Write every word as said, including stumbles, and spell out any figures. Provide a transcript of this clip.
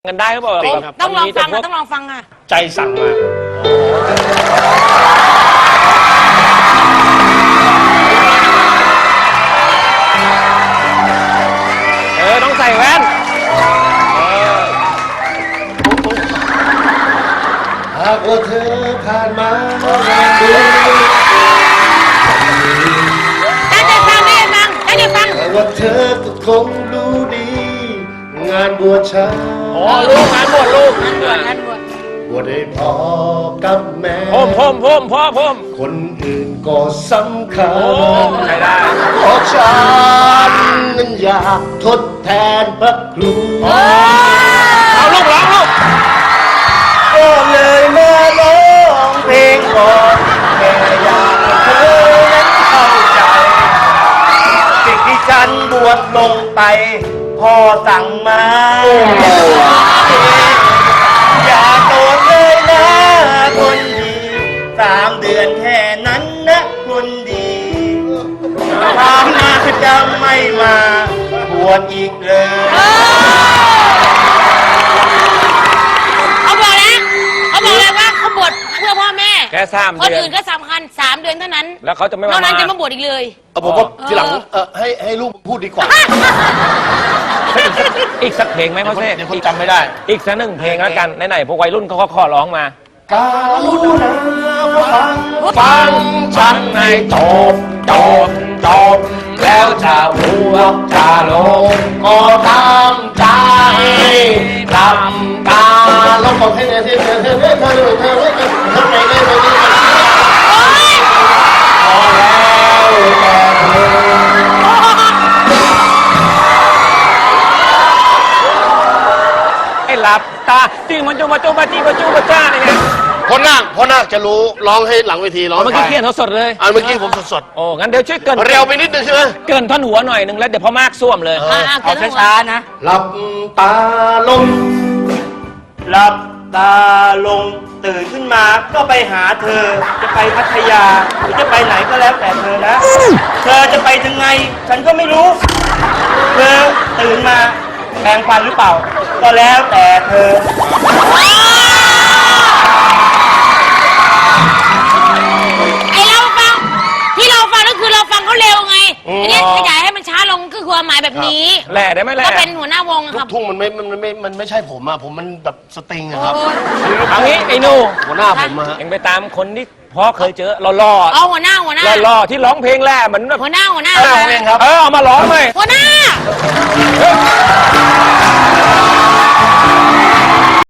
กันได้หรือเปล่าต้องลองฟังต้องลองฟังอ่ะใจสั่งมาเออต้องใส่แว่นหากว่าเธอผ่านมาตั้งใจฟังได้ฟังตั้งใจฟังว่าเธอก็คงรู้ดีงานบวชฉันอ๋อลูกงานบวชลูกงานบวชงานบวชบวชให้พ่อกับแม่พ่อพ่อพ่อพ่อพ่อคนอื่นก็สำคัญใช่ได้เพราะฉันนั้นอยากทดแทนพระครูเอาลูกร้องลูกก็เลยมาร้องเพลงก่อนแค่อยากให้เธอนั้นเข้าใจสิ่งที่ฉันบวชลงไปพ่อสั่งมาอย่าโกรธเลยนะคนดีสามเดือนแค่นั้นนะคนดีถามมาจะไม่มาบวชอีกเลยเขาบอกแล้วเขาบอกเลยว่าเขาบวชเพื่อพ่อแม่แค่สามเดือนคนอื่นก็สำคัญสามเดือนเท่านั้นแล้วเขาจะไม่มานั้นจะมาบวชอีกเลยเออผมว่าทีหลังเออให้ให้ลูกพูดดีกว่าอีกสักเพลงไหมพ่อเซ่เดี๋ยวคนจำไม่ได้อีกสักหนึ่งเพลงแล้วกันไหนๆพวกวัยรุ่นเขาก็ขอร้องมาการุณาฟังฟังฉันให้จบจบจบแล้วจะหัวจะลงก็ตามใจตามตาลองบอกให้เนี่ยที่เธอเธอเธอเธอเธอเธอทำไมได้ไหมนี่พอแล้วแต่เธอหลับตาจริงมันจูมาจูมาจีมาจูมาจ้าเนี่ยพ่อนาคพ่อนาคจะรู้ร้องให้หลังเวทีร้องเมื่อกี้เขียนสดเลยอ่าเมื่อกี้ผมสดๆโอ้งั้นเดี๋ยวช่วยเกินเร็วไปนิดนึงใช่ไหมเกินท่อนหัวหน่อยนึงแล้วเดี๋ยวพ่อมากส้วมเลยเอาช้าๆนะหลับตาลงหลับตาลงตื่นขึ้นมาก็ไปหาเธอจะไปพัทยาหรือจะไปไหนก็แล้วแต่เธอนะเธอจะไปถึงไงฉันก็ไม่รู้เธอตื่นมาแปรงฟันหรือเปล่าก็แล้วแต่เธอไอเราฟังที่เราฟังก็คือเราฟังเขาเร็วไงทีนี้ขยายให้มันช้าลงคือความหมายแบบนี้แหล่ได้ไหมแหล่ก็เป็นหัวหน้าวงครับลูกทุ่งมันไม่มันไม่มันไม่ใช่ผมอะผมมันแบบสตริงอะครับเอางี้ไอ้หนูหัวหน้าผมอะเอ็งไปตามคนที่พ่อเคยเจอหล่อๆเอาหัวหน้าหัวหน้าหล่อๆที่ร้องเพลงแหล่เหมือนหัวหน้าหัวหน้าเองครับเออเอามาร้องเลยหัวหน้า